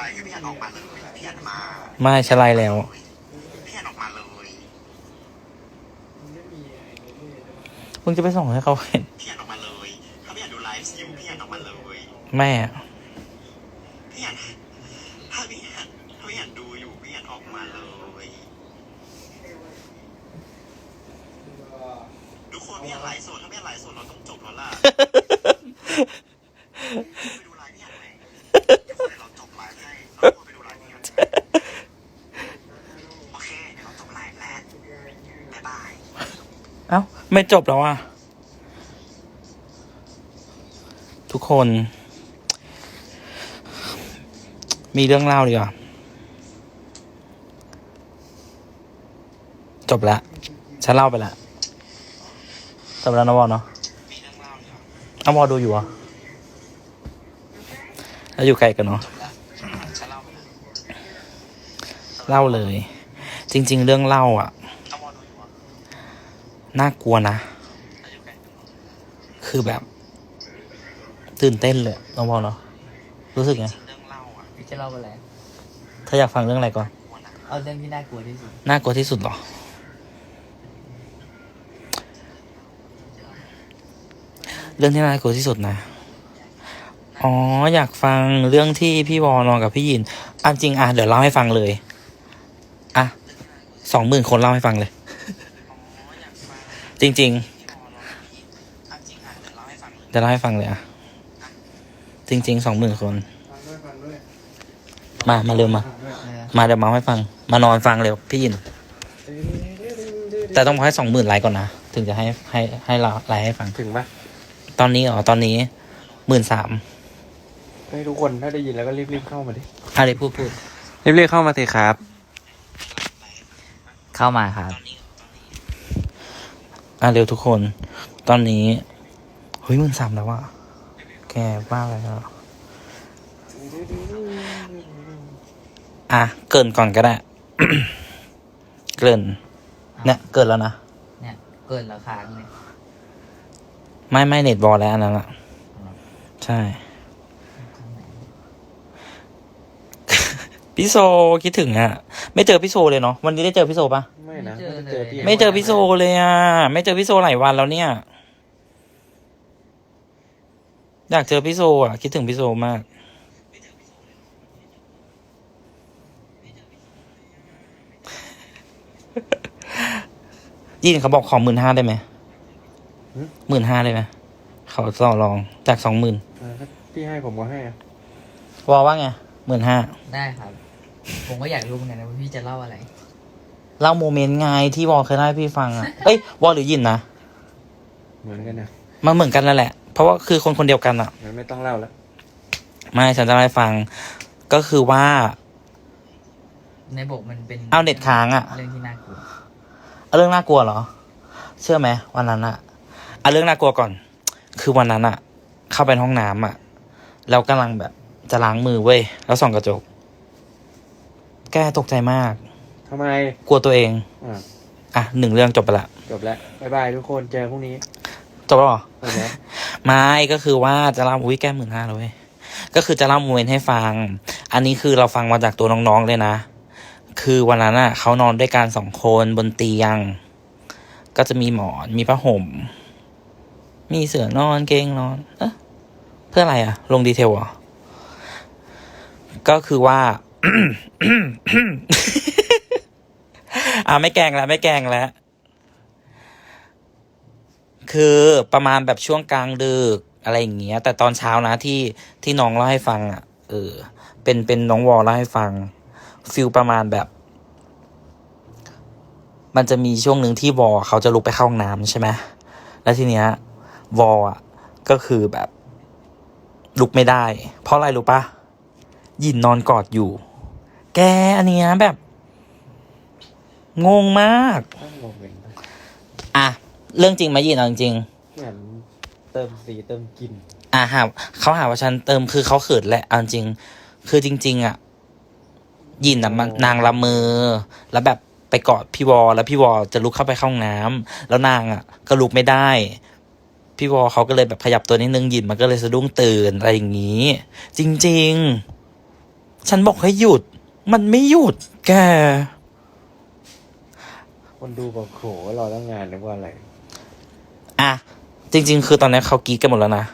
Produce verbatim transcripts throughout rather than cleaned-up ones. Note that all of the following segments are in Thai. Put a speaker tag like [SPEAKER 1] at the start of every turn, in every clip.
[SPEAKER 1] ลฟ์พี่อันออกมาเลยพี่อันมา
[SPEAKER 2] ไม่ฉันไลน์แล้ว
[SPEAKER 1] พี่อันออกมาเลย
[SPEAKER 2] มึงจะไปส่งให้เขาเห็น
[SPEAKER 1] พี่อันออกมาเลยถ้าพี่อันดูไลฟ์อยู่พี่อันออกมาเลย
[SPEAKER 2] แม่
[SPEAKER 1] พี่อันถ้าพี่อันถ้าพี่อันดูอยู่พี่อันออกมาเลยทุกคนพี่อันไลฟ์สดถ้าพี่อันไลฟ์สดเราต้องจบแล้วล่ะไปดูไลฟ์พี่อันไหมทุกคนเราจบไลฟ์ให้เราไปดูไลฟ์พี่อันโอเคเดี๋ยวเราจบไลฟ์แล้วบ๊ายบาย
[SPEAKER 2] เอ้าไม่จบแล้วอ่ะทุกคนมีเรื่องเล่าดีกว่าจบแล้วฉันเล่าไปแล้วจบแล้วนะวอเนาะเอาวอดูอยู่อ่ะแล้วอยู่ไกลกันเนาะเล่าเลยจริงๆเรื่องเล่าอ่ะน่ากลัวนะคือแบบตื่นเต้นเลยน้องวอเนาะรู้สึกไง
[SPEAKER 3] พี่จะเล่าอะไร
[SPEAKER 2] เธออยากฟังเรื่องอะไรก่อน
[SPEAKER 3] เอาเรื่องที่น่ากลัวที่สุด
[SPEAKER 2] น่ากลัวที่สุดหรอเรื่องที่น่ากลัวที่สุดนะอ๋ออยากฟังเรื่องที่พี่วอนอนกับพี่ยินอ่ะจริงอ่ะเดี๋ยวเล่าให้ฟังเลยอ่ะสองหมื่นคนเล่าให้ฟังเลยจริงๆเดี๋ยวเล่าให้ฟังเลยอ่ะจริงๆสองหมื่นคนมามาเร็วมามาเดี๋ยวเมาให้ฟังมานอนฟังเร็วพี่ยินแต่ต้องให้สองหมื่นไลค์ก่อนนะถึงจะให้ให้ให้เราไลค์ให้ฟัง
[SPEAKER 4] ถึงปะ
[SPEAKER 2] ตอนนี้อ๋อตอนนี้หมื่นสาม
[SPEAKER 4] ให้ทุกคนถ้าได้ยินแล้วก็รีบๆเข้ามาดิ
[SPEAKER 2] อะไรพูดพูด
[SPEAKER 4] รีบๆเข้ามาสิครับ
[SPEAKER 3] เข้ามาครับ
[SPEAKER 2] อ่ะเร็วทุกคนตอนนี้เฮ้ยหมื่นสามแล้วว่ะแกบ้าอะไรแล้วอ่ะเกินก่อนก็ได้ เกินเนี่ยเกินแล้วนะ
[SPEAKER 3] เนี่ยเกินราคาเลย
[SPEAKER 2] ไม่ไม่เน็ตบอลแล้วอันนั้นอ่ะใช่พี่โซคิดถึงอ่ะไม่เจอพี่โซเลยเนาะวันนี้ได้เจอพี่โซปะ
[SPEAKER 4] ไม่นะ
[SPEAKER 2] ไม่เจอพี่โซเลยอ่ะไม่เจอพี่โซหลายวันแล้วเนี่ยอยากเจอพี่โซอ่ะคิดถึงพี่โซมากยินเขาบอกขอหมื่นห้าได้ไหมหมื่นห้าได้ไหมเขาต่อรองจากสองหมื่น
[SPEAKER 4] พี่ให้ผมก็ให้อะ
[SPEAKER 2] วอว่าไงหมื่นห้า
[SPEAKER 3] ได้ครับผมก็อยากรู้เหมือนกันนะว่าพี่จะเล่าอะไร
[SPEAKER 2] เล่าโมเมนต์ไงที่วอเคยเล่าให้พี่ฟังอ่ะเอ้ยวอหรือยินนะ
[SPEAKER 4] เหมือนกันนะ
[SPEAKER 2] มันเหมือนกันนั่นแหละเพราะว่าคือคนคนเดียวกันอ่ะ
[SPEAKER 4] ไม่ต้องเล่าแล้ว
[SPEAKER 2] ไม่ฉันจะเล่าให้ฟังก็คือว่า
[SPEAKER 3] ในบทมันเป็น
[SPEAKER 2] เอาเน็ตค้างอ่ะ
[SPEAKER 3] เรื่องที่น่ากลัว
[SPEAKER 2] เอาเรื่องน่ากลัวเหรอเชื่อไหมวันนั้นอ่ะเอาเรื่องน่ากลัวก่อนคือวันนั้นอ่ะเข้าไปห้องน้ำอ่ะแล้วกำลังแบบจะล้างมือเว้ยแล้วส่องกระจกแกตกใจมาก
[SPEAKER 4] ทำไม
[SPEAKER 2] กลัวตัวเอง
[SPEAKER 4] อ่ะ
[SPEAKER 2] อ่ะหนึ่งเรื่องจบไปละ
[SPEAKER 4] จบแล้วบ๊ายบายทุกคนเจอพรุ่งนี้
[SPEAKER 2] จบแล้วเหรอ
[SPEAKER 4] จบแล้ว
[SPEAKER 2] ไม่ก็คือว่าจะเล่าอุ้ยแก้หมื่นห้าเลยก็คือจะเล่าโมเมนต์ให้ฟังอันนี้คือเราฟังมาจากตัวน้องๆเลยนะคือวันนั้นอ่ะเขานอนด้วยกันสองคนบนเตียงก็จะมีหมอนมีผ้าห่มมีเสื่อนอนเกงนอนเอ๊ะเพื่ออะไรอ่ะลงดีเทลเหรอก็คือว่า อ่าไม่แกล้งแล้วไม่แกล้งแล้วคือประมาณแบบช่วงกลางดึกอะไรอย่างเงี้ยแต่ตอนเช้านะที่ที่น้องเล่าให้ฟังอ่ะเออเป็นเป็นน้องวอลเล่าให้ฟังฟิลประมาณแบบมันจะมีช่วงหนึ่งที่วอลเขาจะลุกไปเข้าห้องน้ำใช่ไหมแล้วทีเนี้ยวอลอ่ะก็คือแบบลุกไม่ได้เพราะอะไรรู้ปะยินนอนกอดอยู่แกอันเนี้ยแบบงงมากอ่ะเรื่องจริงไหมยินเอาจริง
[SPEAKER 4] เหมือนเติมสีเติมกลิ่น
[SPEAKER 2] อ่ะหาเขาหาว่าฉันเติมคือเขาเขินแหละเอาจริงคือจริงๆอ่ะยินอ่ะมันนางละเมอแล้วแบบไปกอดพี่วอแล้วพี่วอจะลุกเข้าไปเข้าห้องน้ำแล้วนางอ่ะก็ลุกไม่ได้พี่วอเขาก็เลยแบบขยับตัวนิดนึงยินมันก็เลยสะดุ้งตื่นอะไรอย่างนี้จริงฉันบอกให้หยุด มันไม่หยุด แก
[SPEAKER 4] คนดูบอกโหรอตั้งงานนึกว่าอะไร
[SPEAKER 2] อ่ะ จริง ๆ คือตอนนี้เขากรีดกันหมดแล้วนะ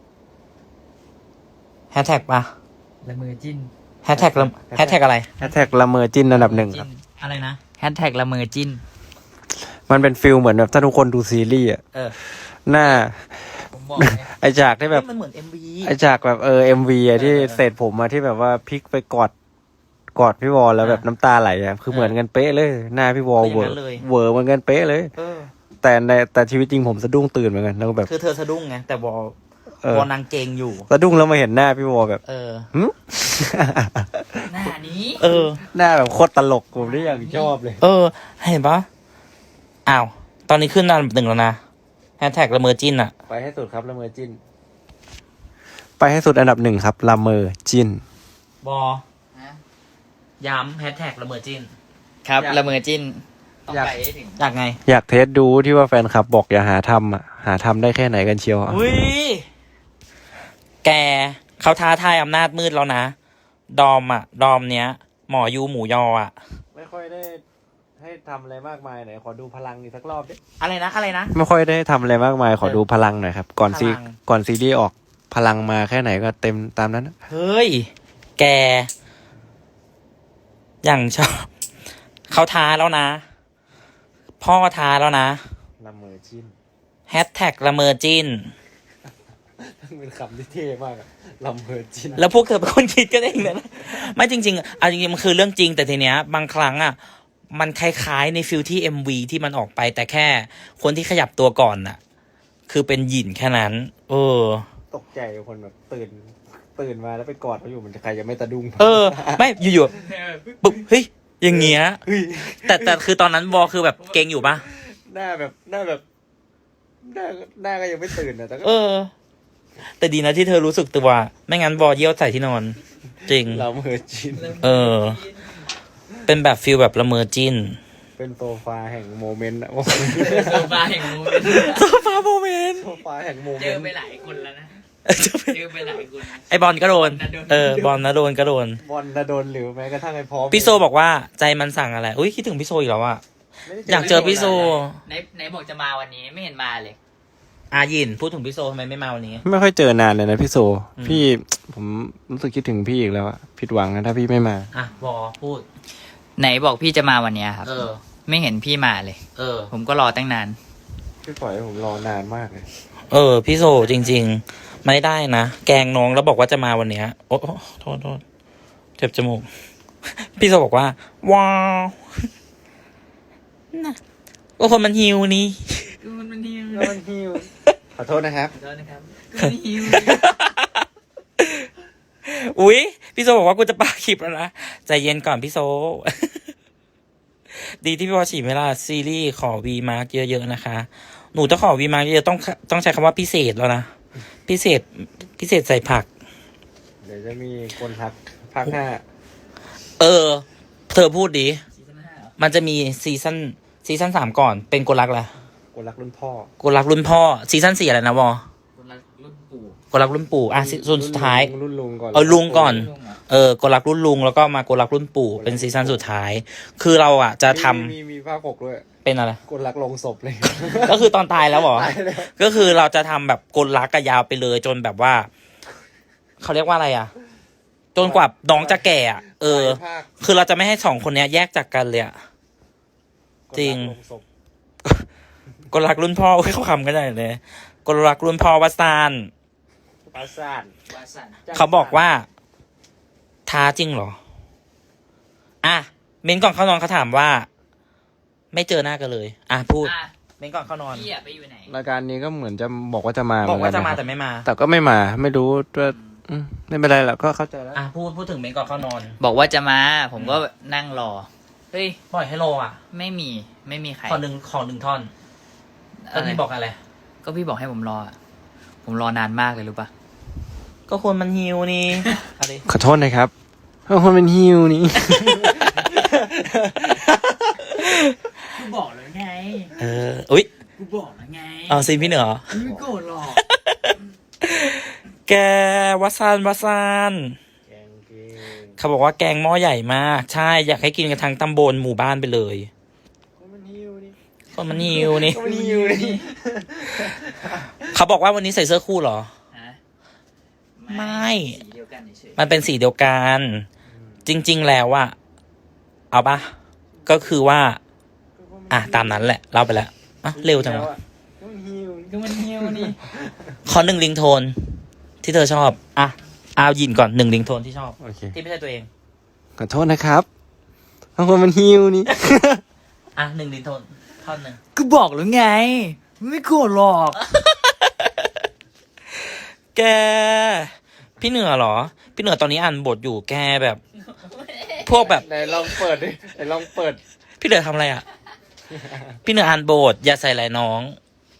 [SPEAKER 2] แฮชแท็กปะ
[SPEAKER 3] ละเมอจิ้น
[SPEAKER 2] แฮชแท็กแฮชแท็กอะไร
[SPEAKER 4] แฮชแท็กละเมอจิ้นอันดับหนึ่งครับ
[SPEAKER 2] อะไรนะ
[SPEAKER 3] แฮชแท็กละเมอจิ้น
[SPEAKER 4] มันเป็นฟิลเหมือนแบบถ้าทุกคนดูซีรีส์อะ
[SPEAKER 2] เออ
[SPEAKER 4] หน้า
[SPEAKER 3] ผมบอกเลย
[SPEAKER 4] ไอฉากที่แบบ
[SPEAKER 2] มันเหมือนเอ็มวี
[SPEAKER 4] ไอฉากแบบเออเอ็มวีอะที่
[SPEAKER 2] เออ
[SPEAKER 4] เศษผมอะที่แบบว่าพลิกไปกอดกอดพี่วอลแล้วแบบน้ำตาไหลอะคือเหมือนกันเป๊ะเลย หน้าพี่วอล
[SPEAKER 2] คืออ
[SPEAKER 4] เว
[SPEAKER 2] ย่า
[SPEAKER 4] อง
[SPEAKER 2] นั้น
[SPEAKER 4] ร์
[SPEAKER 2] เลย
[SPEAKER 4] เวอร์เหมือนกันเป๊ะเลย
[SPEAKER 2] เออ
[SPEAKER 4] แต่ในแต่ชีวิตจริงผมสะดุ้งตื่นเหมือนกันแล้วก็แบบ
[SPEAKER 2] คือเธอสะดุ้งไง แต่วอล
[SPEAKER 4] เออ
[SPEAKER 2] วอลนางเกงอยู่
[SPEAKER 4] สะดุ้งแล้วมาเห็นหน้าพี่วอลแบบ
[SPEAKER 2] เออ
[SPEAKER 4] หึ
[SPEAKER 3] หน้านี้
[SPEAKER 2] เออ
[SPEAKER 4] หน้าแบบโคตรตลกผมได้อย่างชอบเลย
[SPEAKER 2] เออ เห็นปะอ้าว ตอนนี้ขึ้นอันดับหนึ่งแล้วนะแฮชแท็กละเมอจิ้นอะ
[SPEAKER 4] ไปให้สุดครับละเมอจิ้น ไปให้สุดอันดับหนึ่งครับละเมอจิ้น
[SPEAKER 2] บอ
[SPEAKER 3] ฮะ
[SPEAKER 2] ย้ำแฮชแท็กละเมอจิ้น
[SPEAKER 3] ครับ
[SPEAKER 4] อยาก
[SPEAKER 3] ละเมอจิ้น ต้อง
[SPEAKER 4] อยาก
[SPEAKER 3] ไปให้ถึง
[SPEAKER 2] อยากไง
[SPEAKER 4] อยากเทสดูที่ว่าแฟนคลับบอกอย่าหาทำอ่ะ หาทำได้แค่ไหนกันเชียวอะ
[SPEAKER 2] อุ้ย แกเขาท้าทายอำนาจมืดแล้วนะ ดอมอะดอมเนี้ย หมอยูหมูยออะ
[SPEAKER 4] ไม่ค่อยได้ให้ทำอะไรมากมายหน่อยขอดูพลังอีกสักรอบดิ
[SPEAKER 2] อะไรนะ อะไรนะ
[SPEAKER 4] ไม่ค่อยได้ทำอะไรมากมายขอดูพลังหน่อยครับ ก่อนซี
[SPEAKER 2] พลัง
[SPEAKER 4] ก่อนซีรีส์ออกพลังมาแค่ไหนก็เต็มตามนั้นนะ
[SPEAKER 2] เฮ้ย แก อย่างชอบ เขาท้าแล้วนะ พ่อท้าแล้วนะ
[SPEAKER 4] ละเมอจิ้น
[SPEAKER 2] แฮชแท็กละเมอจิ้น
[SPEAKER 4] เป็นคำที่เท่มากอะละเมอจิ้น
[SPEAKER 2] แล้วพวกเธอเป็นคนคิดกันเองนะ ไม่จริงๆเอาจริงๆมันคือเรื่องจริงแต่ทีเนี้ย บางครั้งอ่ะ มันคล้ายๆในฟิลที่ เอ็ม วี ที่มันออกไป แต่แค่คนที่ขยับตัวก่อนน่ะ คือเป็นหยินแค่นั้น เออ
[SPEAKER 4] ตกใจคนแบบตื่น ตื่นมาแล้วไปกอดเขาอยู่มันจะใครจะไม่ตะดุ้ง
[SPEAKER 2] เออ ไม่อยู่ๆปุ๊บเฮ้ยอย่างเงี้ย
[SPEAKER 4] เฮ้ย
[SPEAKER 2] แต่แต่คือตอนนั้นวอคือแบบเก่งอยู่ปะ
[SPEAKER 4] หน้าแบบหน้าแบบหน้าหน้าก็ยังไม่ตื่นนะแต่ก็
[SPEAKER 2] เออ แต่ดีนะที่เธอรู้สึกตัว ไม่งั้นวอเยี่ยวใส่ที่นอน จริง
[SPEAKER 4] ละเมอจิ้น
[SPEAKER 2] เออ เป็นแบบฟิลแบบละเมอจิ้น
[SPEAKER 4] เป็นโซฟาแห่งโมเมนต์อะ
[SPEAKER 3] โซฟาแห่งโมเมนต์
[SPEAKER 2] โซฟาโมเมนต์
[SPEAKER 4] โซฟาแห่งโมเม
[SPEAKER 3] เจอน
[SPEAKER 4] ต์
[SPEAKER 3] ไปหลายคนแล้วนะ
[SPEAKER 2] จะ
[SPEAKER 3] เจอไปหลายคน
[SPEAKER 2] ไอบอลก็โดน
[SPEAKER 3] บอลนะโดน
[SPEAKER 2] เออบอลนะโดนก็โดน
[SPEAKER 4] บอลนะโดนหรือแม้กระทั่งไอ้พร้อม
[SPEAKER 2] พี่โซบอกว่าใจมันสั่งอะไร อุ้ยคิดถึงพี่โซอีกแล้วอะ
[SPEAKER 4] ไม่ได้
[SPEAKER 2] อยากเจอพี่โซ
[SPEAKER 3] ไหนไหนบอกจะมาวันนี้ไม่เห็นมาเลย
[SPEAKER 2] อายินพูดถึงพี่โซทำไมไม่มาวันนี้
[SPEAKER 4] ไม่ค่อยเจอนานเลยนะพี่โซ
[SPEAKER 2] อืม
[SPEAKER 4] พี่ผมรู้สึกคิดถึงพี่อีกแล้วอะผิดหวังนะถ้าพี่ไม่มา
[SPEAKER 2] อ่ะวอพูด
[SPEAKER 3] ไหนบอกพี่จะมาวันเนี้ยครับ
[SPEAKER 2] เออ
[SPEAKER 3] ไม่เห็นพี่มาเลย
[SPEAKER 2] เออ
[SPEAKER 3] ผมก็รอตั้งนาน
[SPEAKER 4] พี่ปล่อยให้ผมรอนานมากเลย
[SPEAKER 2] เออ พี่โซจริง ๆ ไม่ได้นะ แกล้งน้องแล้วบอกว่าจะมาวันเนี้ย โอ้โอ้โทษโทษเจ็บจมูก พี่โซบอกว่า ว้าวน่ะก็คนมันหิวนี่
[SPEAKER 3] มันมันหิว
[SPEAKER 4] มันฮิวขอโทษนะครับ
[SPEAKER 3] แล้วนะครับมันหิว
[SPEAKER 2] อุ๊ย พี่โซบอกว่ากูจะปาคลิปแล้วนะ ใจเย็นก่อนพี่โซ ดีที่พี่วอฉีดเวลาซีรีส์ขอวีมาร์กเยอะๆนะคะ หนูจะขอวีมาร์กเยอะๆต้องต้องใช้คำว่าพิเศษแล้วนะ พิเศษพิเศษใส่ผัก
[SPEAKER 4] เดี๋ยวจะมีคนทักภาคห้า
[SPEAKER 2] เออ เธอพูดดิ
[SPEAKER 3] ซีซั่นห้าเหรอ
[SPEAKER 2] มันจะมีซีซั่นซีซั่นสามก่อน เป็นกลรักแหละ
[SPEAKER 4] คนรักรุ่นพ่อ
[SPEAKER 2] กลรักรุ่นพ่อ ซีซั่นสี่อะไรนะวอ
[SPEAKER 3] คนละรุ่นปู่
[SPEAKER 2] กลรักรุ่นปู่ อ่ะซีซั่นสุดท้าย
[SPEAKER 4] รุ่นลุงก่อน
[SPEAKER 2] เออลุงก่อน
[SPEAKER 3] ลุงเหรอ
[SPEAKER 2] เออกลรักรุ่นลุงแล้วก็มากลรักรุ่นปู่ เป็นซีซั่นสุดท้าย คือเราอ่ะจะทำ
[SPEAKER 4] มีมีมีภาคหกด้วย
[SPEAKER 2] เป็นอะไร
[SPEAKER 4] คนรักลงศพเลย
[SPEAKER 2] ก็คือตอนตายแล้วเหรอ
[SPEAKER 4] ตายแล้ว
[SPEAKER 2] ก็คือเราจะทำแบบกลรักกันยาวไปเลยจนแบบว่า เขาเรียกว่าอะไรอ่ะ จนกว่าน้องจะแก่อ่ะ เออ
[SPEAKER 4] ภาค
[SPEAKER 2] คือเราจะไม่ให้สองคนเนี้ยแยกจากกันเลยอ่ะ จริง
[SPEAKER 4] คนกลศพ
[SPEAKER 2] กลรักรุ่นพ่ออุ๊ยเขาคำกันได้เลยกลรักรุ่นพ่อวัดซาน
[SPEAKER 4] ปราสาท
[SPEAKER 3] วาสัน
[SPEAKER 2] เขาบอกว่า ท้าจริงเหรอ อ่ะเม้นก่อนเข้านอนเขาถามว่า ไม่เจอหน้ากันเลย อ่ะพูด
[SPEAKER 3] อ่ะ
[SPEAKER 2] เม้นก่อนเข้านอน
[SPEAKER 3] พี่อะไปอยู่ไหน
[SPEAKER 4] รายการนี้ก็เหมือนจะบอกว่าจะมา
[SPEAKER 2] บอกว่าจะมา
[SPEAKER 4] เห
[SPEAKER 2] แต่
[SPEAKER 4] นน
[SPEAKER 2] ไม่มา
[SPEAKER 4] ครับแต่ก็ไม่มา ไม่รู้ว่าอืมไม่เป็นไรหรอกก็เข้าใจแล้ว
[SPEAKER 2] อ่ะพูดพูดถึงเม้นก่อนเข้านอน
[SPEAKER 3] บอกว่าจะมา ผมก็นั่งรอ เฮ้ย
[SPEAKER 2] ปล่อยให้โลอ่ะ
[SPEAKER 3] ไม่มี ไม่มีใคร
[SPEAKER 2] ขอหนึ่งขอหนึ่งท่อนก็พี่บอกอะไร
[SPEAKER 3] ก็พี่บอกให้ผมรออะผมรอนานมากเลยรู้ปะ
[SPEAKER 2] ก็คนมันหิวนี่ อะไร
[SPEAKER 4] ขอโทษนะครับเพราะคนเป็นฮิวนี่
[SPEAKER 3] กูบอกแล้วไง
[SPEAKER 2] เออ อุ๊ย
[SPEAKER 3] กูบอกแล้วไง
[SPEAKER 2] เอาซีนพี่เหนือ
[SPEAKER 3] ไม่โกรธหรอก
[SPEAKER 2] แกวัดซานวัดซานเขาบอกว่าแกงหม้อใหญ่มาก ใช่ อยากให้กินกันทั้งตำบลหมู่บ้านไปเลย
[SPEAKER 4] มันหิวนี่
[SPEAKER 2] คนมันหิวนี่
[SPEAKER 4] มันหิวนี่
[SPEAKER 2] เขาบอกว่าวันนี้ใส่เสื้อคู่เหรอ
[SPEAKER 3] ฮะ
[SPEAKER 2] ไม่
[SPEAKER 3] สีเดียวกันเฉย
[SPEAKER 2] มันเป็นสีเดียวกัน จริง ๆ แล้วอะเอาปะก็คือว่า อ่ะ ตามนั้นแหละ เล่าไปแล้วอ่ะเร็วจังวะ
[SPEAKER 4] มันหิว
[SPEAKER 3] ก็มันเหี่ยวนี่
[SPEAKER 2] ขอหนึ่งลิงโทน ที่เธอชอบ อ่ะเอายินก่อนหนึ่งลิงโทนที่ชอบ
[SPEAKER 4] โอเค
[SPEAKER 2] ที่ไม่ใช่ตัวเอง
[SPEAKER 4] ขอโทษนะครับบางคนมันหิวนี่
[SPEAKER 2] อ่ะหนึ่งลิงโทนท่อนหนึ่ง
[SPEAKER 3] ก็บอกแล้วไง ไม่โกรธหรอก
[SPEAKER 2] แก พี่เหนือเหรอ พี่เหนือตอนนี้อ่านบทอยู่แกแบบ พวกแบบ
[SPEAKER 4] ไหนลองเปิดดิไหนลองเปิด
[SPEAKER 2] พี่เหนือทำอะไรอ่ะ พี่เหนืออ่านบทอย่าใส่หลายน้อง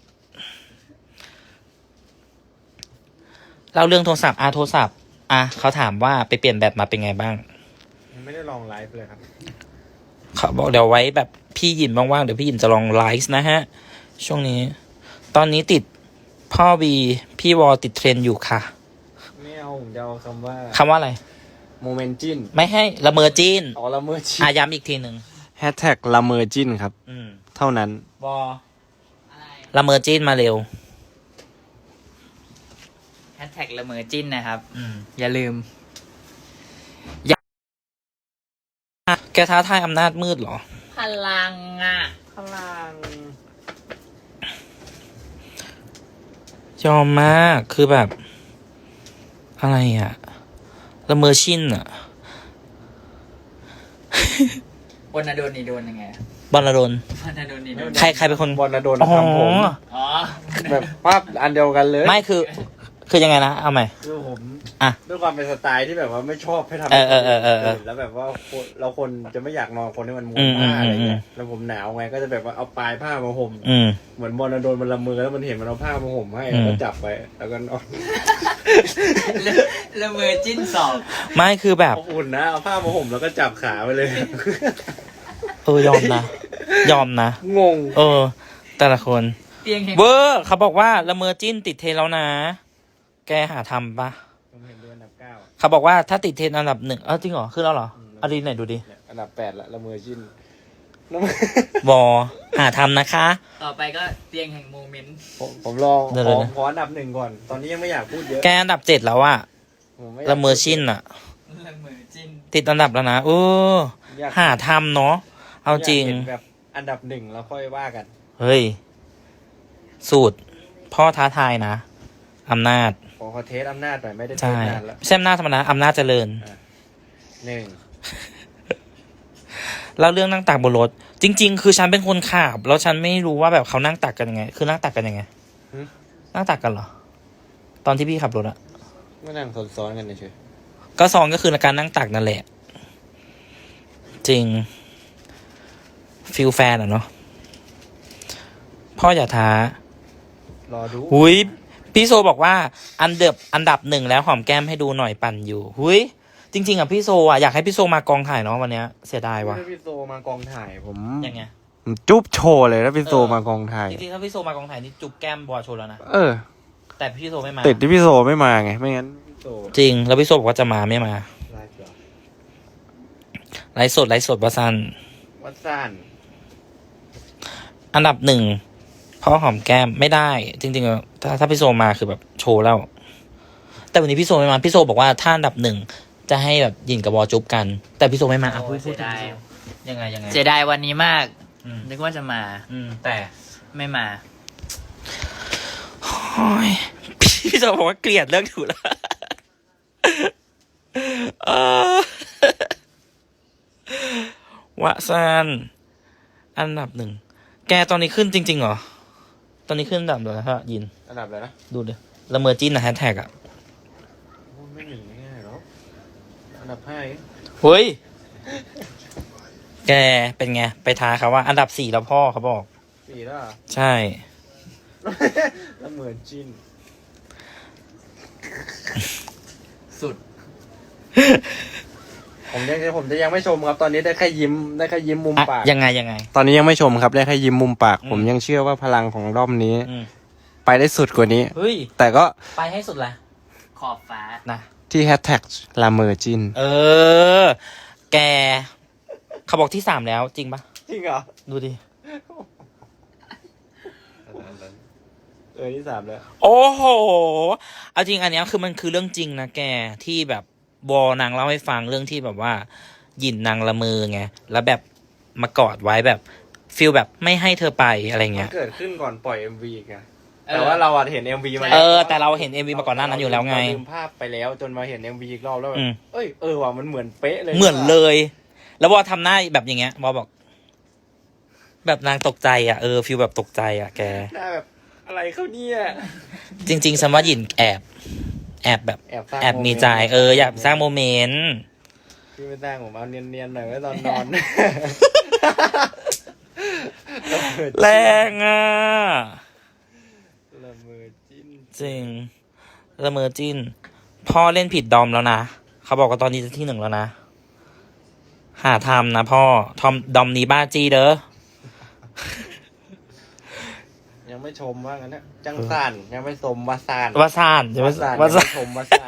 [SPEAKER 2] เล่าเรื่องโทรศัพท์อ่ะโทรศัพท์อ่ะเขาถามว่าไปเปลี่ยนแบบมาเป็นไงบ้าง
[SPEAKER 4] ยังไม่ได้ลองไลฟ์เลยครับ
[SPEAKER 2] เขาบอกเดี๋ยวไว้แบบพี่หยินว่างๆเดี๋ยวพี่หยินจะลองไลฟ์นะฮะ ช่วงนี้ ตอนนี้ติดพ่อบีพี่วอติดเทรนด์อยู่ค่ะ
[SPEAKER 4] ไม่เอาผมจะเอาคำว่า
[SPEAKER 2] คำว่าอะไร
[SPEAKER 4] โมเมนจิน
[SPEAKER 2] ไม่ให้ละเมอจีน
[SPEAKER 4] อ๋อละเมอจิน
[SPEAKER 2] อ่ะย้ำอีกทีหนึ่ง
[SPEAKER 4] แฮชแท็กละเมอจินครับ
[SPEAKER 2] อืม
[SPEAKER 4] เท่านั้น
[SPEAKER 2] วอละเมอจีนมาเร็ว
[SPEAKER 3] แฮชแท็กละเมอจิ้นนะครับ
[SPEAKER 2] อืม
[SPEAKER 3] อย่าลืม
[SPEAKER 2] แกท้าทายอำนาจมืดเหรอ
[SPEAKER 3] พลังอ่ะ
[SPEAKER 4] พลัง
[SPEAKER 2] ยอมมากคือแบบ อะไรอะละเมอชินอะ
[SPEAKER 3] บนนาโดนนี่โดนยังไงอะ
[SPEAKER 2] บอลลดน
[SPEAKER 3] บนนาโดนนี่โดน
[SPEAKER 2] ใครใครเป็นคน
[SPEAKER 4] บอลนะโดน
[SPEAKER 2] อ๋อ
[SPEAKER 4] ทำผม
[SPEAKER 3] อ๋อ
[SPEAKER 4] แบบปั๊บอันเดียวกันเลย
[SPEAKER 2] ไม่คือ คือยังไงนะเอาใหม่
[SPEAKER 4] คือผม
[SPEAKER 2] อ่ะ
[SPEAKER 4] ด้วยความเป็นสไตล์ที่แบบว่าไม่ชอบให้ทำ
[SPEAKER 2] เออเออเออเออเออ
[SPEAKER 4] แล้วแบบว่าคนเราคนจะไม่อยากนอนคนที่มันม้ว
[SPEAKER 2] อื
[SPEAKER 4] น
[SPEAKER 2] ม
[SPEAKER 4] ผ้าอะไร
[SPEAKER 2] อืม
[SPEAKER 4] เงี้ยแล้วผมหนาวไงก็จะแบบว่าเอาปลายผ้ามาห่ม
[SPEAKER 2] อืม
[SPEAKER 4] เหมือนบอลนะโดนมันละมือแล้วมันเห็นมันเอาผ้ามาห่มให้
[SPEAKER 2] อืม
[SPEAKER 4] แล้วก็จับไปแล้วก็นอน
[SPEAKER 3] ละละเมอจิ้นสอง
[SPEAKER 2] ไม่คือแบบ
[SPEAKER 4] เอาอุ่นนะเอาผ้ามาห่มแล้วก็จับขาไปเลย
[SPEAKER 2] เออยอมนะ ยอมนะ
[SPEAKER 4] งง
[SPEAKER 2] เออ แต่ละคน
[SPEAKER 3] เตียงแห่ง
[SPEAKER 2] เวอร์เขาบอกว่าละเมอจิ้นติดเทรนด์แล้วนะ แกหาทำปะ
[SPEAKER 4] ผมเห็นด้วยอันดับเก้า
[SPEAKER 2] เขาบอกว่าถ้าติดเทรนด์อันดับหนึ่งเออจริงเหรอขึ้นแล้วเหรอเอาดีไหนดูดิ
[SPEAKER 4] เนี่ยอันดับแปดละละเมอจินละเมอ
[SPEAKER 2] วอหาทำนะคะ
[SPEAKER 3] ต่อไปก็เตียงแห่งโมเมนต์
[SPEAKER 4] ผมผมลอง
[SPEAKER 2] เดี๋ยว
[SPEAKER 4] ขอ
[SPEAKER 2] ๆนะ
[SPEAKER 4] ขออันดับหนึ่งก่อน ตอนนี้ยังไม่อยากพูดเยอะ
[SPEAKER 2] แกอันดับเจ็ดแล้วอะ
[SPEAKER 4] ผไยาก
[SPEAKER 2] ละเมอชินอะ
[SPEAKER 3] ละเมอจิ้น
[SPEAKER 2] ติดอันดับแล้วนะเออ
[SPEAKER 4] อยาก
[SPEAKER 2] หาทำเนาะเอาจริง
[SPEAKER 4] ยกเห็นแบบอันดับหนึ่งแล้วค่อยว่ากัน
[SPEAKER 2] เฮ้ย สูตร พ่อท้าทายนะอำนาจ
[SPEAKER 4] ขอขอเทสอำนาจหน่อยไม่ได้เท
[SPEAKER 2] ใช่
[SPEAKER 4] สนานแล้ว
[SPEAKER 2] ไม่ใช่อำนาจธรรมดาอำนาจเจริญ
[SPEAKER 4] หนึ่ง
[SPEAKER 2] แล้วเรื่องนั่งตักบนรถ จริง ๆ คือฉันเป็นคนขับแล้วฉันไม่รู้ว่าแบบเขานั่งตักกันยังไง คือนั่งตักกันยังไง
[SPEAKER 4] หึ
[SPEAKER 2] นั่งตักกันเหรอ ตอนที่พี่ขับรถอะ
[SPEAKER 4] ไม่นั่งซ้อนๆกันเฉย
[SPEAKER 2] ก็ซองก็คือการนั่งตักนั่นแหละ จริงฟิลแฟนอะเนาะพ่ออย่าท้าร
[SPEAKER 4] อดู
[SPEAKER 2] หุยพี่โซบอกว่า อันเดับอันดับหนึ่งแล้วหอมแก้มให้ดูหน่อยปั่นอยู่หุยจริง ๆอะพี่โซอะอยากให้พี่โซมากองถ่ายเนาะวันเนี้ยเสียดายว่ะ
[SPEAKER 4] ถ้าพี่โซมากองถ่ายผม
[SPEAKER 2] ยังไง
[SPEAKER 4] ผมจุ๊บโชว์เลยถ้าพี่โซ
[SPEAKER 2] เออ
[SPEAKER 4] มากองถ่าย
[SPEAKER 2] จริงๆถ้าพี่โซมากองถ่ายนี่จุบแก้มบอโชว์แล้วนะ
[SPEAKER 4] เออ
[SPEAKER 2] แต่พี่โซไม่มา
[SPEAKER 4] ติดที่พี่โซไม่มาไง ไม่งั้นพี่โซ
[SPEAKER 2] จริง แล้วพี่โซบอกว่าจะมาไม่มา
[SPEAKER 4] ไลฟ์เหรอ
[SPEAKER 2] ไลฟ์สดไลฟ์สดวาซัน
[SPEAKER 4] วัดซ่าน
[SPEAKER 2] อันดับหนึ่งพ่อหอมแก้มไม่ได้ จริงๆอะถ้าถ้าพี่โซมาคือแบบโชว์แล้ว แต่วันนี้พี่โซไม่มาพี่โซบอกว่าถ้าอันดับหนึ่งจะให้แบบยินกับบอจุบกัน แต่พี่โซไม่มาอ่ะพูดพูดถึงพี่โซยังไงยังไง
[SPEAKER 3] เสียดายวันนี้มาก
[SPEAKER 2] อืม
[SPEAKER 3] นึกว่าจะมา
[SPEAKER 2] อืมแต่
[SPEAKER 3] ไม่มา
[SPEAKER 2] โอ้ยพี่โซบอกว่าเกลียดเรื่องถูกแล้วเออวะซันอันดับหนึ่งแกตอนนี้ขึ้นจริงๆเหรอตอนนี้ขึ้นอันดับเลยฮะยิน
[SPEAKER 4] อันดับอะไรนะ
[SPEAKER 2] ดูดิละเมอจิ้นนะแฮชแท็กอ่ะ
[SPEAKER 4] โอ้ไม่หนึ่งง่ายๆหรอกอันดับห้าเอง
[SPEAKER 2] เฮ้ย แกเป็นไง ไปท้าเขาว่า อันดับสี่แล้วพ่อเขาบอก
[SPEAKER 4] สี่แล้วเหรอ
[SPEAKER 2] ใช่
[SPEAKER 4] แล้วเหมือนจิน
[SPEAKER 3] สุด
[SPEAKER 4] ผมยังผมจะยังไม่ชมครับ ตอนนี้ได้แค่ยิ้มได้แค่ยิ้มมุม
[SPEAKER 2] อะ
[SPEAKER 4] ปาก
[SPEAKER 2] ยังไงยังไง
[SPEAKER 4] ตอนนี้ยังไม่ชมครับได้แค่ยิ้มมุมปาก
[SPEAKER 2] อืม
[SPEAKER 4] ผมยังเชื่อว่าพลังของรอบนี้
[SPEAKER 2] อืม
[SPEAKER 4] ไปได้สุดกว่านี้
[SPEAKER 2] เฮ้ย
[SPEAKER 4] แต่ก็
[SPEAKER 2] ไปให้สุดละ
[SPEAKER 3] ขอบฟ้า
[SPEAKER 2] นะ
[SPEAKER 4] ที่แฮชแท็กลาเมอร์จิน
[SPEAKER 2] เออ แก เขาบอกที่สามแล้วจริงปะ
[SPEAKER 4] จริงเหรอ
[SPEAKER 2] ดูดิ
[SPEAKER 4] เออที่สามแล้ว
[SPEAKER 2] โอ้โห เอาจริงอันเนี้ยคือมันคือเรื่องจริงนะแกที่แบบวอนางเล่าให้ฟังเรื่องที่แบบว่าหยินนางละเมอไงแล้วแบบมากอดไว้แบบฟิลแบบไม่ให้เธอไปอะไร
[SPEAKER 4] มั
[SPEAKER 2] เงี้
[SPEAKER 4] น
[SPEAKER 2] ย
[SPEAKER 4] เกิดขึ้นก่อนปล่อย เอ็ม วี อีกไง
[SPEAKER 3] เออ
[SPEAKER 4] แต่ว่าเราอะเห็น เอ็ม วี มา
[SPEAKER 2] เอ
[SPEAKER 4] แล้ว
[SPEAKER 2] อแต่เราเห็น เอ็ม วี มาก่อนหน้านั้นอยู่แล้วไง
[SPEAKER 4] เราลืมภาพไปแล้วจนมาเห็น เอ็ม วี อีกรอบแล้วแบ
[SPEAKER 2] อื
[SPEAKER 4] บ
[SPEAKER 2] ม
[SPEAKER 4] เอ้ยเออว่ะมันเหมือนเป๊ะเลย
[SPEAKER 2] เหมือนเลย แล้ววอทำหน้าแบบอย่างเงี้ยวอบอก แบบนางตกใจอ่ะเออฟิลแบบตกใจอ่ะแก
[SPEAKER 4] หน้าแบบอะไรเขาเนี่ย
[SPEAKER 2] จริงๆฉันว่าหยินแอบ แอบแบบ
[SPEAKER 4] แอบสร้าง
[SPEAKER 2] แอบมีใจเอออยากสร้างโมเมนต์
[SPEAKER 4] พี่ไม่สร้างผมเอาเนียนๆหน่อยไว้ตอนนอน
[SPEAKER 2] แรงอ่ะ
[SPEAKER 4] ละเมอจิ้น
[SPEAKER 2] จริงละเมอจิ้น พ่อเล่นผิดดอมแล้วนะ เขาบอกว่าตอนนี้จะที่หนึ่งแล้วนะ หาทำนะพ่อ ทอมดอมนี้บ้าจี้เด้อ
[SPEAKER 4] ยังไม่ชมว่างั้นนะจังสานยังไม่สมวาซาน
[SPEAKER 2] วาซานใช่ไหม
[SPEAKER 4] วาซาน
[SPEAKER 2] วา
[SPEAKER 4] ยัง
[SPEAKER 2] ซา
[SPEAKER 4] ไม่
[SPEAKER 2] น
[SPEAKER 4] ชมวาซาน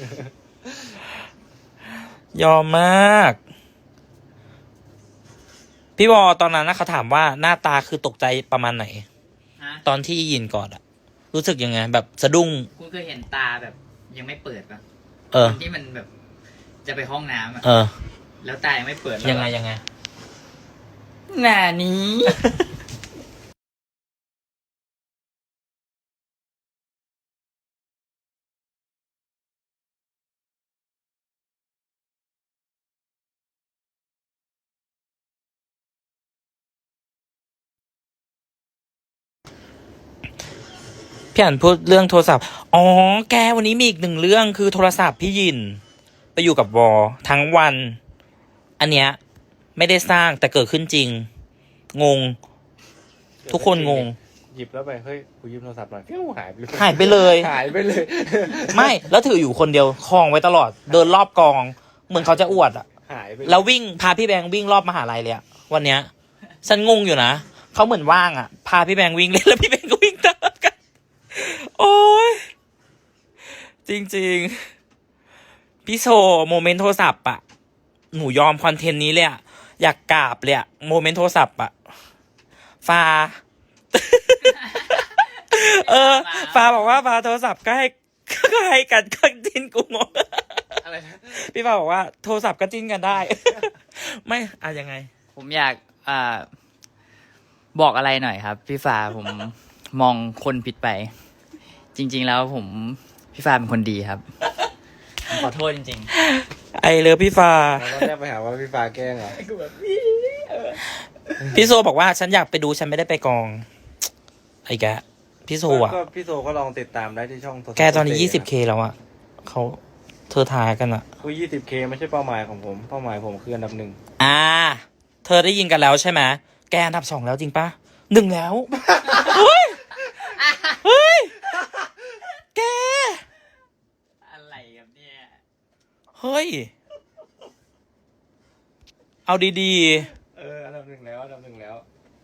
[SPEAKER 2] ยอมมาก พี่วอตอนนั้นนะเขาถามว่าหน้าตาคือตกใจประมาณไหน
[SPEAKER 3] ฮะ
[SPEAKER 2] ตอนที่ยินก่อนอะรู้สึกยังไง แบบสะดุ้ง
[SPEAKER 3] คุณเคยเห็นตาแบบยังไม่เปิดปะ
[SPEAKER 2] เออ
[SPEAKER 3] ที่มันแบบ จะไปห้องน้ำอะ
[SPEAKER 2] เออ
[SPEAKER 3] แล้วตายังไม่เปิดแล้ว
[SPEAKER 2] ยังไงยังไง
[SPEAKER 3] หน้านี้
[SPEAKER 2] พี่อ่านพูดเรื่องโทรศัพท์ อ๋อ แกวันนี้มีอีกหนึ่งเรื่องคือโทรศัพท์พี่ยิน ไปอยู่กับวอทั้งวัน อันเนี้ยไม่ได้สร้างแต่เกิดขึ้นจริง งง ทุกคนงง
[SPEAKER 4] หยิบแล้วไปเฮ้ยกูยืมโทรศัพท์หน่อยฟิวหายไปเลย
[SPEAKER 2] หายไปเลย
[SPEAKER 4] หายไปเลย
[SPEAKER 2] ไม่ แล้วถืออยู่คนเดียวคลองไว้ตลอด เดินรอบกอง เหมือนเขาจะอวดอะ
[SPEAKER 4] หายไป
[SPEAKER 2] แล้ววิ่งพาพี่แบงค์วิ่งรอบมหาลัยเลยอะวันเนี้ย ฉันงงอยู่นะ เขาเหมือนว่างอะพาพี่แบงค์วิ่งเล่นแล้วพี่แบงค์ก็วิ่งตามกัน โอ้ย จริงๆ พี่โชว์โมเมนต์โทรศัพท์อะหนูยอมคอนเทนต์นี้เลยอะอยากกราบเลยอะโมเมนต์โทรศัพท์อะฟ้า เออ ฟ้าบอกว่าฟ้าโทรศัพท์ก็ให้ ก็ให้กันก็จิ้นกูงง
[SPEAKER 4] อะไรนะ
[SPEAKER 2] พี่ฟ้าบอกว่าโทรศัพท์ก็จิ้นกันได้ ไม่อะยังไง
[SPEAKER 3] ผมอยากอ่าบอกอะไรหน่อยครับ พี่ฟ้าผม มองคนผิดไป จริง ๆ แล้วผมพี่ฟ้าเป็นคนดีครับผมขอโทษจริง
[SPEAKER 2] ไอเลิฟพี่ฟ้า
[SPEAKER 4] เราแรกไปหาว่าพี่ฟ้าแกล้งเหรอ
[SPEAKER 2] พี่โซบอกว่าฉันอยากไปดูฉันไม่ได้ไปกอง ไอ้แกพี่โซอ่ะ
[SPEAKER 4] ก็พี่โซก็ลองติดตามได้ที่ช่องโทรศัพท์
[SPEAKER 2] แกตอนนี้ยี่สิบเคแล้วอ่ะเขาเธอทายกันอ่ะ
[SPEAKER 4] คือยี่สิบเคไม่ใช่เป้าหมายของผม เป้าหมายผมคืออันดับหนึ่ง
[SPEAKER 2] อ่า เธอได้ยินกันแล้วใช่ไหมแกอันดับสองแล้วจริงปะหนึ่งแล้ว เฮ้ย เฮ้ย แก
[SPEAKER 3] ๆ อะไรครับเนี่ย
[SPEAKER 2] เฮ้ย เอาดี
[SPEAKER 4] เอออันดับหนึ่งแล้วอันดับหนึ่งแล้ว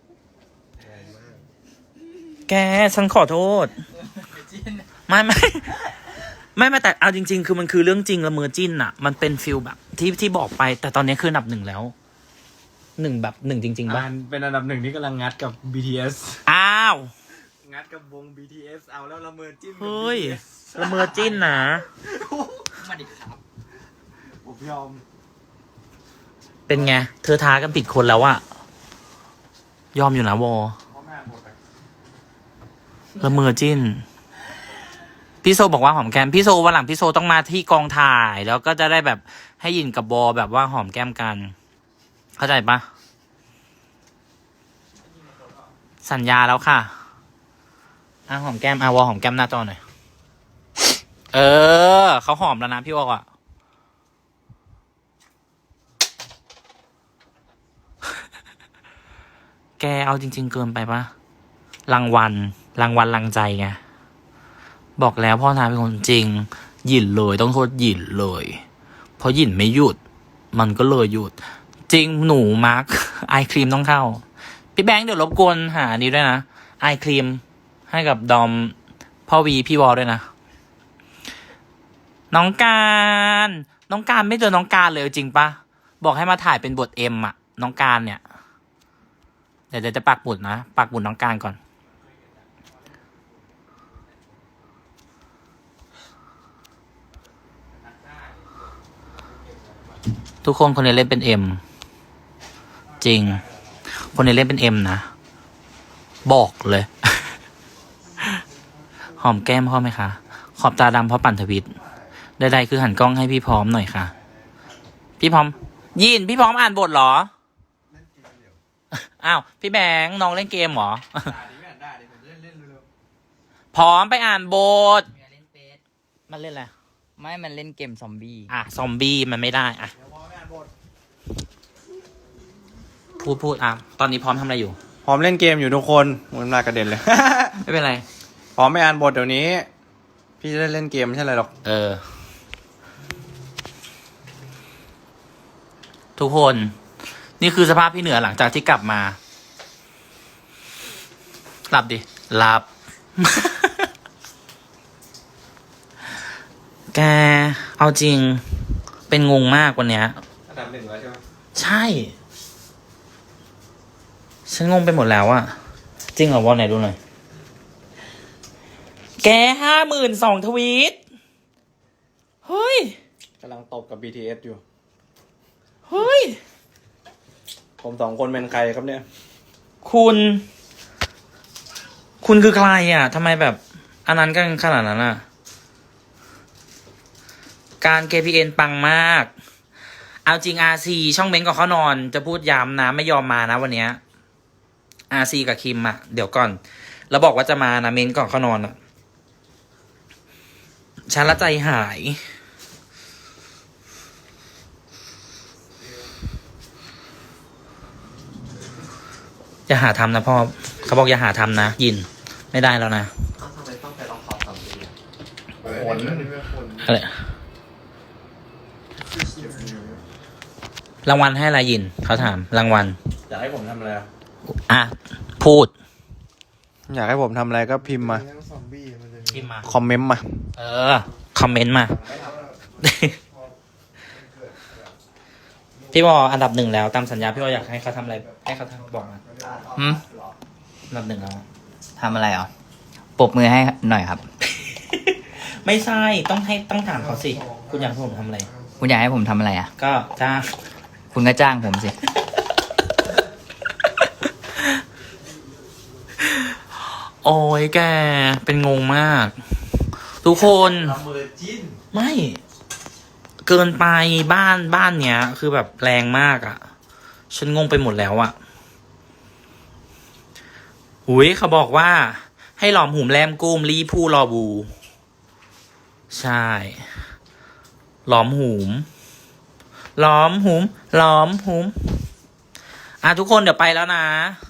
[SPEAKER 2] ๆ แกฉันขอโทษ ไม่ไม่ไม่ไม่แต่เอาจริง ๆ คือมันคือเรื่องจริงละเมอจิ้นอะมันเป็นฟิลแบบ ที่ที่บอกไป แต่ตอนนี้คืออันดับหนึ่งแล้วหนึ่งแบบหนึ่งจริง ๆป่ะ
[SPEAKER 4] อ่านเป็นอันดับหนึ่งที่กำลังงัดกับ บี ที เอส
[SPEAKER 2] อ้าว
[SPEAKER 4] งัดกับวง บี ที เอส เอาแล้วละเมอจิ้นกับ
[SPEAKER 2] เฮ้ย
[SPEAKER 4] บี ที เอส
[SPEAKER 2] ละเมอจิ้นนะ
[SPEAKER 3] มาดิครับ
[SPEAKER 4] ผมยอม
[SPEAKER 2] เป็นไง เธอท้ากันผิดคนแล้วอะยอมอยู่นะวอ
[SPEAKER 4] เพราะหน้าหมดอะ
[SPEAKER 2] ละเมอจิ้น พี่โซบอกว่าหอมแก้มพี่โซวันหลังพี่โซต้องมาที่กองถ่าย แล้วก็จะได้แบบให้ยินกับบอแบบว่าหอมแก้มกัน เข้าใจปะสัญญาแล้วค่ะอ่ะหอมแก้มอ่ะวอหอมแก้มหน้าจอหน่อย เออเขาหอมแล้วนะพี่วออ่ะ แกเอาจริง ๆ เกินไปปะรางวัลรางวัลรางใจไงบอกแล้วพ่อทาเป็นคนจริง หยินเลยต้องโทษหยินเลย เพราะหยินไม่หยุด มันก็เลยหยุด จริงหนูมาร์ค ไอครีมต้องเข้า พี่แบงค์เดี๋ยวรบกวนหานี้ด้วยนะไอครีมให้กับดอมพ่อวีพี่วอลด้วยนะน้องการน้องการไม่เจอน้องการเลยจริงปะบอกให้มาถ่ายเป็นบทเอ็มอะน้องการเนี่ยเดี๋ยวเดี๋ยวจะปักหมุดนะปักหมุดน้องการก่อน ทุกคนคนนี้เล่นเป็นเอ็มจริง คนนี้เล่นเป็นเอ็มนะบอกเลย หอมแก้มพ่อไหมคะขอบตาดำเพราะปั่นทวิตใดๆคือหันกล้องให้พี่พร้อมหน่อยค่ะ พี่พร้อมยินพี่พร้อมอ่านบทเหรออ้าวพี่แบงค์น้องเล่นเกมเหรอ พร้อมไปอ่านบทมันเล่นอะไร
[SPEAKER 3] ไม่มันเล่นเกมซอมบี้
[SPEAKER 2] อ่ะซอมบี้มันไม่ได้อ่ะพูดพูดอ่ะตอนนี้พร้อมทำอะไรอยู่
[SPEAKER 4] พร้อมเล่นเกมอยู่ทุกคนมันมากระเด็นเลย
[SPEAKER 2] ไม่เป็นไร
[SPEAKER 4] พร้อมไม่อ่านบทเดี๋ยวนี้ พี่จะได้เล่นเกมไม่ใช่อะไรหรอก
[SPEAKER 2] เออ ทุกคน นี่คือสภาพพี่เหนือหลังจากที่กลับมาหลับดิหลับ แกเอาจริง เป็นงงมากวันเนี้ย
[SPEAKER 4] อันดับหนึ่งแล้วใช่ไหม
[SPEAKER 2] ใช่ ฉันงงไปหมดแล้วอะจริงเหรอวอลไหนดูหน่อย แกห้าหมื่นสองทวีต เฮ้ย
[SPEAKER 4] กำลังตบกับ บี ที เอส อยู่
[SPEAKER 2] เฮ้ย
[SPEAKER 4] ผมสองคนเป็นใครครับเนี่ย
[SPEAKER 2] คุณ คุณคือใครอ่ะทำไมแบบ อันนั้นกันขนาดนั้นอ่ะ การ เค พี เอ็น ปังมาก เอาจริง อาร์ ซี ช่องเม้นก่อนเขานอน จะพูดย้ำนะ ไม่ยอมมานะวันเนี้ย อาร์ ซี กับคิมอ่ะ เดี๋ยวก่อน แล้วบอกว่าจะมานะเม้นก่อนเขานอนอ่ะ ฉันละใจหาย อย่าหาทำนะพ่อ เขาบอกอย่าหาทำนะ ยิน ไม่ได้แล้วนะ
[SPEAKER 1] ทำไมต้องไปลองขอบสามดี
[SPEAKER 4] ผล
[SPEAKER 2] อะไรรางวัลให้อะไรยิน เขาถาม รางวัล
[SPEAKER 4] อยากให้ผมทำอะไรอะ
[SPEAKER 2] อ่ะ พูด
[SPEAKER 4] อยากให้ผมทำอะไรก็พิมพ์มา
[SPEAKER 2] พิมพ์มา
[SPEAKER 4] คอมเมนต์มา
[SPEAKER 2] เออ คอมเมนต์มา พี่บออันดับหนึ่งแล้วตามสัญญาพี่บออยากให้เขาทำอะไร ให้เขาทำบอกมา
[SPEAKER 3] หืม
[SPEAKER 2] อันดับหนึ่งแล้ว
[SPEAKER 3] ทำอะไรอ่ะปรบมือให้หน่อยครับ
[SPEAKER 2] ไม่ใช่ ต้องให้ต้องถามเขาสิ คุณอยากให้ผมทำอะไร
[SPEAKER 3] คุณอยากให้ผมทำอะไรอ่ะ
[SPEAKER 2] ก็จ้าง
[SPEAKER 3] คุณก็จ้างผมสิ
[SPEAKER 2] โอ้ยแก เป็นงงมาก ทุกคน ไม่ เกินไปบ้านบ้านเนี้ย คือแบบแรงมากอะ่ะ ฉันงงไปหมดแล้วอะ่ะหุยเขาบอกว่า ให้หลอมหุมแรมกุ้มรีผู้รอบู ใช่ หลอมหุมหลอมหุมหลอมหุมอ่ะทุกคนเดี๋ยวไปแล้วนะ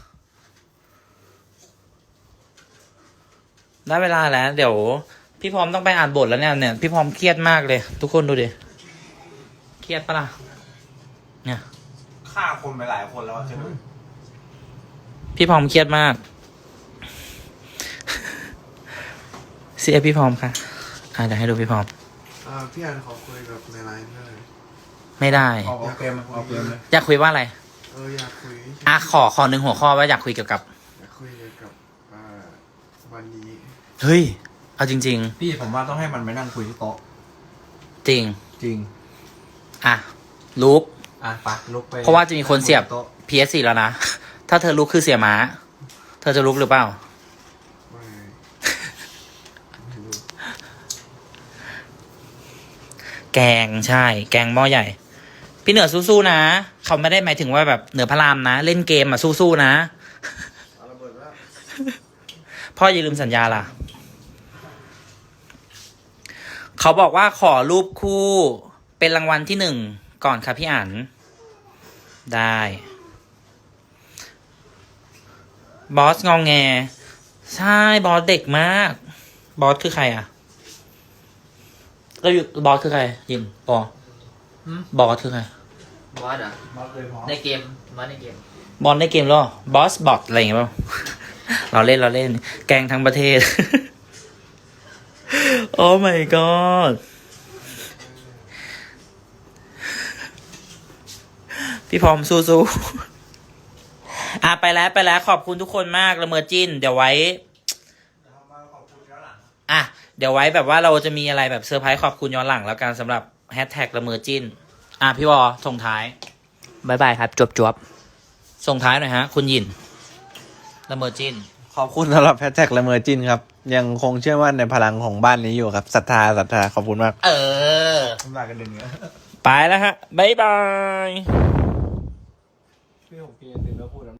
[SPEAKER 2] ได้เวลาแล้ว เดี๋ยว พี่พร้อมต้องไปอ่านบทแล้วเนี่ยเนี่ยพี่พร้อมเครียดมากเลย ทุกคนดูดิเครียดปะล่ะเนี่ย
[SPEAKER 4] ฆ่าคนไปหลายคนแล้วใช่ไหม
[SPEAKER 2] พี่พร้อมเครียดมากเสียพี่พร้อมค่ะอ่าเดี๋ยวให้ดูพี่พร้อม
[SPEAKER 5] อ่าพี่อันขอคุยกับในไลน์ได้
[SPEAKER 2] ไม่ได้
[SPEAKER 4] ออกเกมออกเกมเลย
[SPEAKER 2] อยากคุยว่าอะไร
[SPEAKER 5] เอออยากคุย
[SPEAKER 2] อ่ะขอขอหนึ่งหัวข้อว่าอยากคุยเกี่ยวกับ
[SPEAKER 5] อยากคุยเกี่ยวกับอ่าวันนี้
[SPEAKER 2] เฮ้ยเอาจริง
[SPEAKER 4] พี่ผมว่าต้องให้มันไปนั่งคุยที่โต๊ะ
[SPEAKER 2] ๆ จริง
[SPEAKER 4] จริง
[SPEAKER 2] อ่ะลุก
[SPEAKER 4] อ่ะปะลุกไป
[SPEAKER 2] เพราะว่าจะมีคนเสียบ
[SPEAKER 4] โต๊ะ
[SPEAKER 2] พี เอส สี่ แล้วนะ ถ้าเธอลุกคือเสียม้า เธอจะลุกหรือเปล่า
[SPEAKER 5] ไม่ไม่รู้
[SPEAKER 2] แกงใช่ แกงหม้อใหญ่ พี่เหนือสู้ๆนะ เขาไม่ได้หมายถึงว่าแบบเหนือพระรามนะ เล่นเกมอ่ะสู้ๆนะ
[SPEAKER 5] เอาระเบิดแล้ว
[SPEAKER 2] พ่ออย่าลืมสัญญาล่ะ เขาบอกว่าขอรูปคู่เป็นรางวัลที่หนึ่งก่อนครับพี่อั๋นได้ บอสงองแง ใช่บอสเด็กมาก บอสคือใครอ่ะก็อยู่บอสคือใคร ยินบอส
[SPEAKER 3] หืม
[SPEAKER 2] บอสคือใคร
[SPEAKER 3] บอสอ่ะในเกมบอสในเกม
[SPEAKER 2] บอลในเกมหรอบอสบอทอะไรอย่างเงี้ยเปล่า เราเล่นเราเล่น แกงทั้งประเทศ โอ้ my god พี่พร้อมสู้ๆอ่ะไปแล้วไปแล้วขอบคุณทุกคนมากละเมอจิ้น เดี๋ยวไว้อ่ะเดี๋ยวไว้แบบว่าเราจะมีอะไรแบบเซอร์ไพรส์ขอบคุณย้อนหลังแล้วกันสำหรับแฮชแท็กละเมอจิ้น อ่ะพี่วอส่งท้าย
[SPEAKER 3] บายบายครับ จวบจวบ
[SPEAKER 2] ส่งท้ายหน่อยฮะ คุณหยินละเมอจิ้น
[SPEAKER 4] ขอบคุณสำหรับแฮชแท็กละเมอจินครับ ยังคงเชื่อมั่นในพลังของบ้านนี้อยู่ครับศรัทธาศรัทธาขอบคุณมาก
[SPEAKER 2] เออ
[SPEAKER 4] ทำลายกันเดือนนี้
[SPEAKER 2] ไปแล้วฮะบ๊ายบาย
[SPEAKER 4] พี่ผมกินตื่นแล้วพูด